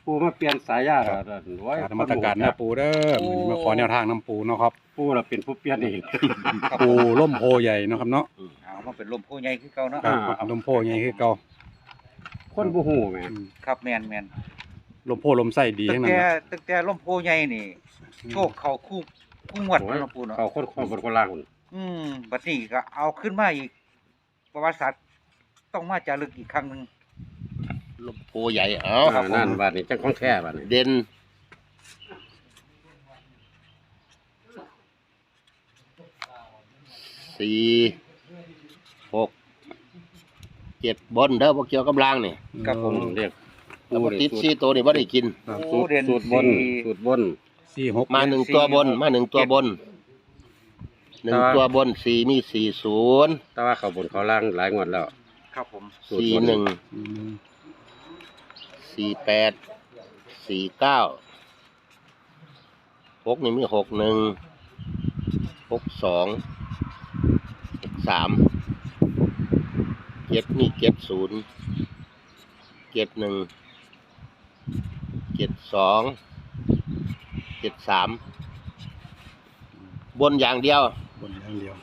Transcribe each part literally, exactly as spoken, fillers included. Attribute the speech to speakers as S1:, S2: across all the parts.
S1: ปูมาเปลี่ยนสายยาแล้วไว้
S2: การนมัสการนะปูเด้อมื้อนี้มาขอแนวทางน้ำปูเนาะครับ
S1: ปูเราเป็นผู้เปลี่ยนเอง
S2: ปูล่มโพใหญ่เนาะครับเนาะ
S3: เอามาเป็นลมโพใหญ่คือเก่าเนาะ
S2: ครับลมโพใหญ่คือเก่า
S1: คนบ่ฮู้แหม่
S2: อืม
S3: ครับแม่นแม่น
S2: ลมโพลมไส้ดี
S3: ตั้
S2: ทั้
S3: ง
S2: งนั้น
S3: แต่
S2: นะ
S3: ตั้งแต่ลมโพใหญ่นี่โชคเข้าคู่คู่งวดเนาะน้องปูเนาะ
S1: เขาคนคนบนคนล่างคน
S3: อืมบัดนี้ก็เอาขึ้นมาอีกประวัติศาสตร์ต้องมาจารึกอีกครั้งหนึง
S4: ลมโพใหญ่เอา
S1: อ่านั่นบาดนี้จังของแท้บาดนี้
S4: เด่นสี่หกเจ็ดบนเด้อพวกเกี่ยวกับรางนี่
S3: ครับผม
S1: อืเรียก
S4: แต่ว่าติดสี่ตัวนี่บ่ได้กิน
S2: ครับ
S3: โอ้
S1: สูตร
S3: เด่น
S1: สูตรบน
S3: สี่
S1: สูตรบน
S2: สี่หก
S4: มาหนึ่งตัวบน มาหนึ่งตัวบนหนึ่งตัวบนสี่มีสี่ศูนย์
S1: แต่ว่าเขาบนเขาล่างหลายงวดแล้ว
S3: ครับผม
S1: สูตร
S4: สี่
S1: บน
S4: หนึ่ง
S2: อืม
S4: สี่แปดสี่เก้าหกนี่มีหกหนึ่งหกสองหกสามเจ็ดมีเจ็ดศูนย์เจ็ดหนึ่งเจ็ดสองเจ็ดสามบนอย่างเดียว
S2: บนอย่างเดียว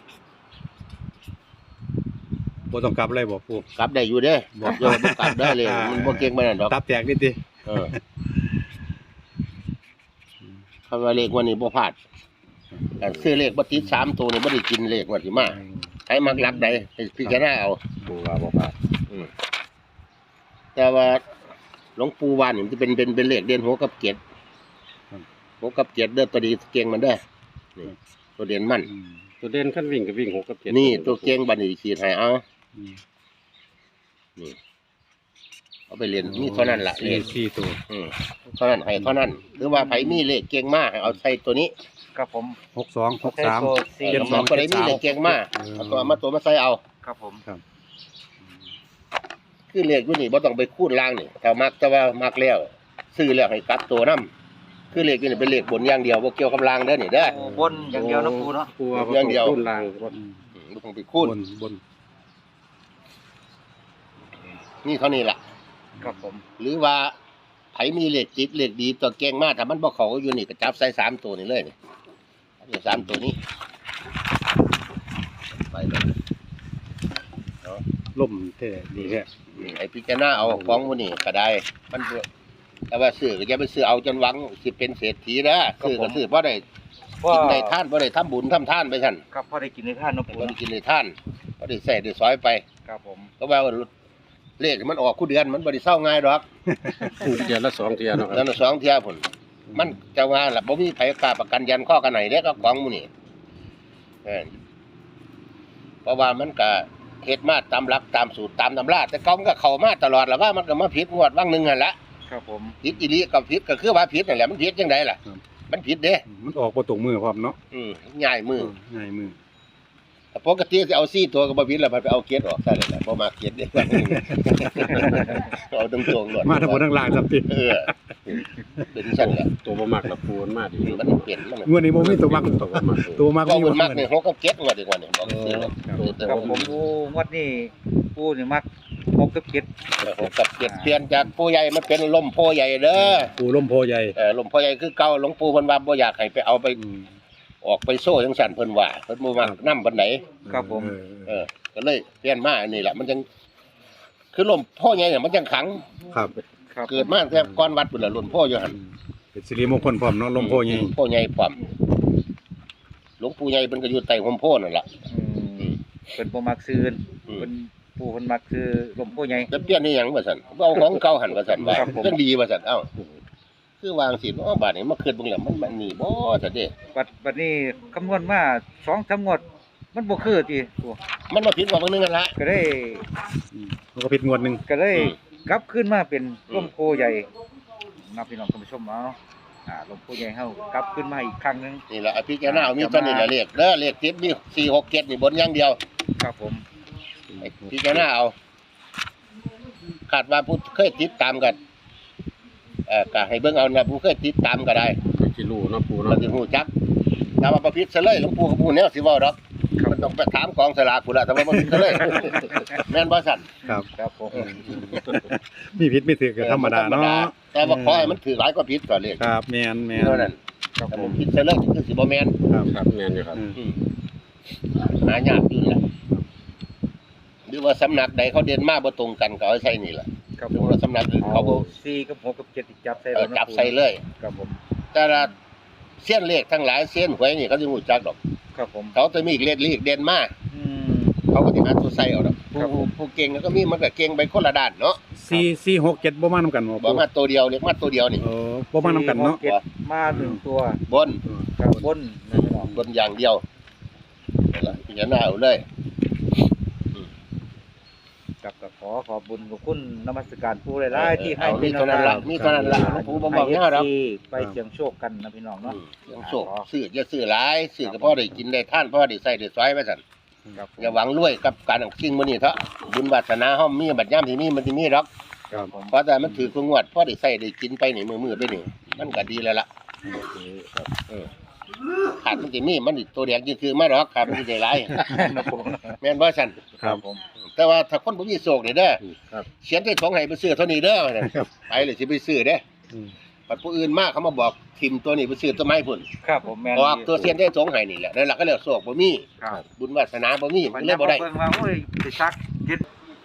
S2: บ่ต้องกลับเลยบ่ปู
S4: กลับได้อยู่เด้บอกโยมกลับได้เลยมันบ่เก่งปานนั้นดอก
S2: ตับแตกนิดดิ
S4: เออคำว่าเลขวันนี้บ่พลาดแต่ซื้อเลขบ่ติดสามตัวนี่บ่ได้กินเลขวันที่มาให้มักรักใดให้พิจารณาเอา
S1: ปูว่าบ่พลาด
S4: อืมแต่ว่าหลวงปู่วานนี่มันจะเป็นเป็นเป็นเลขเด่นหัวกับเกียรติหัวกับเกียรติเด้อตัวดีเก่งมันเด้อนี่ตัวเด่นมัน
S2: อืม
S1: ตัวเด่นขั้นวิ่งก็วิ่งหกกับเจ็ด
S4: นี่ตัวเก่งบัดนี้ขีดให้เอา
S2: อืม
S4: นี่เอาไปเรียนมีเท่านั้นล่ะเล
S2: สี่
S4: ข
S2: สี่ตัว
S4: อืมเท่านั้นให้เท่านั้นหรือว่าไผมีเลขเก่งมากให้เอาใส่ตัวนี้
S3: ครับผม
S2: หกสองหกสาม
S3: ตัวสี่
S4: เจ็ดสองตัวไหนมีเลขเก่งมากเอาตัวมาตัวมาใส่เอา
S3: ครับผม
S4: คือเลขอยู่นี่บ่ต้องไปคูณล่างนี่ถ้ามักแต่ว่ามักแล้วซื้อแล้วให้กลับตัวนํคือเลขอยู่นี่เป็นเลขบนอย่างเดียวบ่เกี่ยวกับล่างเด้อนี่เด้อ
S3: โอ้บนอย่างเดียวนะปูเนาะ
S1: ปูว่าบ่
S4: อย่างเดียว
S1: ต้นล่างบ่
S2: อืม
S4: อืมบ่ต้องไปคูณ
S2: บนบน
S4: นี่เท่านี้ล่ะ
S3: ครับผม
S4: หรือว่าไผมีเลขจิตเลขดีตัวเก่งมากถ้ามันบ่เข้าอยู่นี่ก็จับใส่สามตัวนี่เลยนี่นี่สามตัวนี้ไปเลย
S2: ล่มแท้ดีแท้
S4: อืมไอ้พิจารณาเอาของมื้อนี้ก็ได้มันบ่แต่ว่าซื้อก็อย่าไปซื้อเอาจนหวังสิเป็นเศรษฐีเด้อซื้อก็ซื้อบ่ได้
S3: ว่า
S4: กินได้ท่านบ่ได้ทำบุญทำทานไปซั่น
S3: ครับพอได้กินในท่านเนาะปู
S4: บ่ได้
S3: เนาะ
S4: กินได้ท่านบ่ได้ใส่ได้ซอยไป
S3: ครับผม
S4: ก็ว่าเลขมันออกคู่เดือนมันบ่ได้เศร้าง่ายดอก
S1: เดือนละสองเที่ยเนาะค
S4: แล้
S1: รั
S4: ว
S1: บ
S4: สองเที่ยพุ่นมันจะว่าล่ะบ่มีไผกล้าประกันยันข้อกันไหนเด้ก็ของหมู่นี่เออเพราะว่ามันก็เฮ็ดมาตามหลักตามสูตรตามตำราแต่เก่ามันก็เข้ามาตลอดแล้วว่ามันก็มาผิดงวดวังหนึงนั่นแหละ
S3: ครับผม
S4: ผิดอีหลีก็ผิดก็คือว่าผิดนั่นแหละมันผิดจังไดล่ะมันผิดเด้
S2: มันออกบ่ตรงมือพร้อมเนาะ
S4: อืมง่ายมือ
S2: ง่ายมือ
S4: แต่ปกติสิเอาสี่ตัวก็บ่ผิดแล้วมันไปเอาเกียรออกซะเลยล่ะบ่มาเกียรเด้ เอาตรงๆโลด
S2: มาทั้งบนทั้งล่างครับติ
S4: เออเป็นซั่นแหละ
S1: ตัวบ่มักละปูมันมาดี
S4: มันเปลี่ยนมัน
S2: งวดนี้บ่มีตัวมัก
S1: ตัวบ่มัก
S2: ตัวมัก
S4: ก็
S2: มี
S4: มัน
S2: บ่
S4: มักนี่หกกับเจ็ดงวดดีกว่านี่บอกซื้อเลย
S1: ตัวแต่
S3: ครับ
S1: ว่า
S3: ผมโอ้งวดนี้ปูนี่มักหกกับเจ็ด
S4: หกกับเจ็ดเปลี่ยนจากปู่ใหญ่มาเป็นลมโพใหญ่เด้อ
S2: ปูล่มโพใหญ่
S4: เออลมโพใหญ่คือเก่าหลวงปู่เพิ่นว่าบ่อยากให้ไปเอาไป
S2: อืม
S4: ออกไปโซ่จังซั่นเพิ่นว่าเพิ่นบ่มักนำปานใด
S3: ครับผม
S2: เออ
S4: เออก็เลยเปลี่ยนมาอันนี้แหละมันจังคือลมโพใหญ่เนี่ยมันจังขัง
S2: ครับ
S3: ครับ
S4: เกิดมาแต่ก่อนวัดพุ่นล่ะลมโพอยู่หั่น
S2: เป็นสิริมงคลพร้อมเนาะล่มโพใหญ่
S4: โพใหญ่พร้อมหลวงปู่ใหญ่เพิ่นก็อยู่ใต้ห่มโพนั่นล่ะ
S3: อืมเป็นบ่มักซื้อ
S4: อืม
S3: เป็นปูเพิ่นมักซื้อลมโพใหญ่
S4: จะเปลี่ยนนี่หยังว่าซั่นเอาของเก่าหั่นว่าซั่นว่า
S3: ครับผม
S4: จังดีว่าซั่นเอ้าคือวางสิเนาะบาดนี้มาคิดเบิ่งแล้วมันมันนี่บ่ซั่นเด้
S3: บัดบัดนี้คำนวณมาสองสามงวด มันบ่คือติปู
S4: มันมาผิดกว่าเบิ่งนึงกันละ
S3: ก็ได้
S2: อืมมันก็ผิดงวดหนึง
S3: ก็ได้
S4: อืม
S3: กลับขึ้นมาเป็น
S4: อืม
S3: ลมโพใหญ่นับพี่น้องท่านผู้ชมเอาอ่าลมโพใหญ่เฮากลับขึ้นมาอีกครั้งหนึง
S4: นี่ล่ะอภิจารณาเอามีเท่านี้ล่ะเลขเด้อเลขติดมีสี่ หก เจ็ดนี่บนอย่างเดียว
S3: ครับผม
S4: ให้พิจารณาเอาคาดว่าผู้เคยติดตามกันเอ่อก็ให้เบิ่งเอานะผู้เคยติดตามก็ได้
S1: สิรู้เนาะปู
S4: มั
S1: เนาะ
S4: นสิฮู้จักถ้าว่าประพิษซะเลยหลวงปู่ก็บ่ฮู้แนวสิเว้าดอก
S3: ครับ
S4: มันต้องไปถามกองสลากพุ่นล่ะแต่ว่าบ่ผิดเลย แม่นบ่สั่น
S2: ครับ
S3: ครับผม
S2: มีผิดไม่ถือก็ธรรมดาเนาะ
S4: แต่ว่าขอให้มันถือหลายกว่าผิดก่อนเลย
S2: ครับแม่นแม่น
S4: เท่านั้น
S3: ครับ
S4: แต่
S3: ผ
S4: ผม มผิดซะเลยคือสิบ่แม่น
S2: ครับ
S1: ครับแม่นอยู่ครับ
S2: อืม
S4: อืมหายากอยู่แหละหรือว่าสำนักใดเขาเด่นมาบ่ตรงกันก็เอาใส่นี่ล่ะ
S3: ครับ
S4: หรื
S3: ผ
S4: อ
S3: ม
S4: ว่าสำนักอื่นเขาบ่
S3: สี่กับหกกับเจ็ดจับใส่
S4: เออจับใส่เลย
S3: ครับผม
S4: แต่ละเส้นเลขทั้งหลายเส้นหวยนี่เขาสิรู้จักดอก
S3: ครับผม
S4: เขาจะมีเลขเลขเด่นมา
S3: อืม
S4: เขาก็สิหาตัวใส่เอาดอก
S3: ครับผ
S4: ผู้
S3: ม
S4: ผู้เก่งก็มีมันก็เก่งไปคนละด้านเนาะ
S2: สี่สี่หกเจ็ดบ่มานำกันบ่
S4: บ่มาตัวเดียวเรียกมาตัวเดียวนี่
S2: เออบ่มานำกันเนาะ
S3: สี่หกจ็ดมาหนึ่งตัว
S4: บน
S3: ครับบนนะพี่น้อง
S4: บนอย่างเดียวนั่นล่ะพิจารณาเอาเลย
S3: ครับก็ขอขอบบุญขอบคุณนมัสการผู้หลายๆที่ให้
S4: เอา
S3: เป็
S4: มี
S3: น
S4: เท่านั้นล่ะมีเท่านั้นล่ะหลวงปู่บ่บอกยาวดอก
S3: ให้ เอฟซีไปเสี่ยงโชคกันนะพี่น้องเนาะ
S4: ยังโชคซื้ออย่าซื้อหลายซื้อก็พอได้กินได้ท่านพอได้ใส่ได้ซอยไว้ซั่น
S3: ครับ
S4: อย่าหวังรวยกับการเอาสิ่งมื้อนี้เถอะบุญวาสนาเฮามีบัดยามที่มีมันสิมีดอก
S3: ครับผม
S4: เพราะแต่มันถือคืองวดพอได้ใส่ได้กินไปนี่มื้อๆไปนี่มันก็ดีแล้วล่ะเออขาดมันสิมีมันอีกตัวแดงคือๆมาดอกขาดมันสิได้หลาย
S3: ครับผม
S4: แม่นบ่ซั่น
S3: ครับผม
S4: แต่ว่าถ้าคนบ่มีโชคนี่เด้อ
S3: ครับ
S4: เขียนใส่ถุงให้ไปซื้อเท่านี้เด้อนั่น
S2: ครับ
S4: ไปเลยสิไปซื้อเด้
S2: อืม
S4: ปัดผู้อื่นมาเขามาบอกทิมตัวนี้ไปซื้อต้นไม้พุ่น
S3: ครับผมแม่น
S4: ออกตัวเสียนได้สองให้นี่แหละนั่นล่ะก็เรียกโชคบ่มี
S3: ครับ
S4: บุญวาสนาบ่มี
S3: วั
S4: มัน น
S3: นี้
S4: เลยบ่ได้
S3: เบิ่งว่าโอ้ยสิซักยึด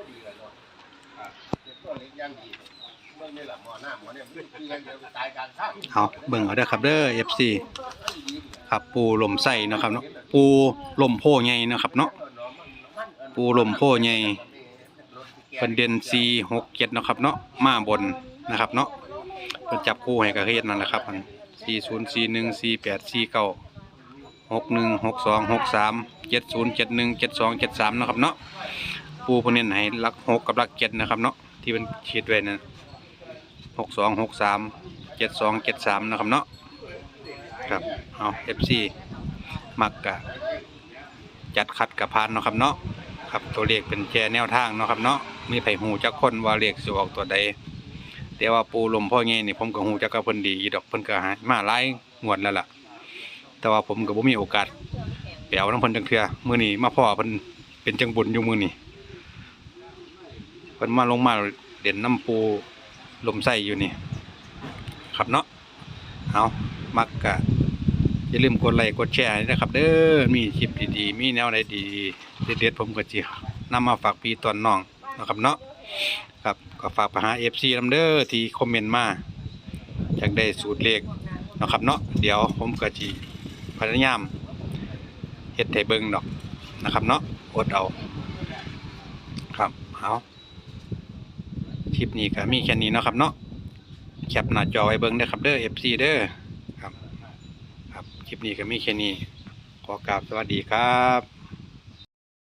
S2: เอาเบิ่งเอาเด้อครับเด้อ เอฟ ซี ครับปูลมไส้เนาะครับเนาะปูลมโพใหญ่เนาะครับเนาะปูลมโพใหญ่เป็นเด่นสี่ หก เจ็ดเนาะครับเนาะมาบนนะครับเนาะเพิ่นจับคู่ให้ก็เฮ็ดนั่นแหละครับมันสี่ ศูนย์ สี่ หนึ่ง สี่ แปด สี่ เก้า หก หนึ่ง หก สอง หก สาม เจ็ด ศูนย์ เจ็ด หนึ่ง เจ็ด สอง เจ็ด สามเนาะครับเนาะปูเพิ่นเน้นให้หลักหกกับหลักเจ็ดนะครับเนาะที่เพิ่นขีดไว้นั่นหก สอง หก สาม เจ็ด สอง เจ็ด สามนะครับเนาะครับเอา เอฟ ซี มักกะจัดคัดกับพานเนาะครับเนาะครับตัวเลขเป็นแค่แนวทางเนาะครับเนาะมีไผหูจักคนว่าเลขสิออกตัวใดแต่ว่าปูลมพ่อแง่นี่ผมก็หูจักกับเพิ่นดีอยู่ดอกเพิ่นก็หามาหลายงวดแล้วล่ะแต่ว่าผมก็บ่มีโอกาสไปเอานำเพิ่นจังเทื่อมื้อนี้มาพ่อเพิ่นเป็นจังบุญอยู่มื้อนี้เพิ่นมาลงมาเด่นน้ำปูลมไส้อยู่นี่ครับเนาะเอามักกะอย่าลืมกดไลค์กดแชร์ให้นะครับเด้อมีคลิปดีๆมีแนวใดดีเด็ดๆผมก็สินำมาฝากพี่ตอนน้องนะครับเนาะครับก็ฝากไปหา เอฟ ซี นำเด้อที่คอมเมนต์มาอยากได้สูตรเลขนะครับเนาะเดี๋ยวผมก็สิพยายามเฮ็ดให้เบิ่งดอกนะครับเนาะอดเอาครับเอาคลิปนี้ก็มีแค่นี้เนาะครับเนาะแคปหน้าจอไว้เบิ่งเด้อครับเด้อ เอฟ ซี เด้อครับครับคลิปนี้ก็มีแค่นี้ขอกราบสวัสดีครับ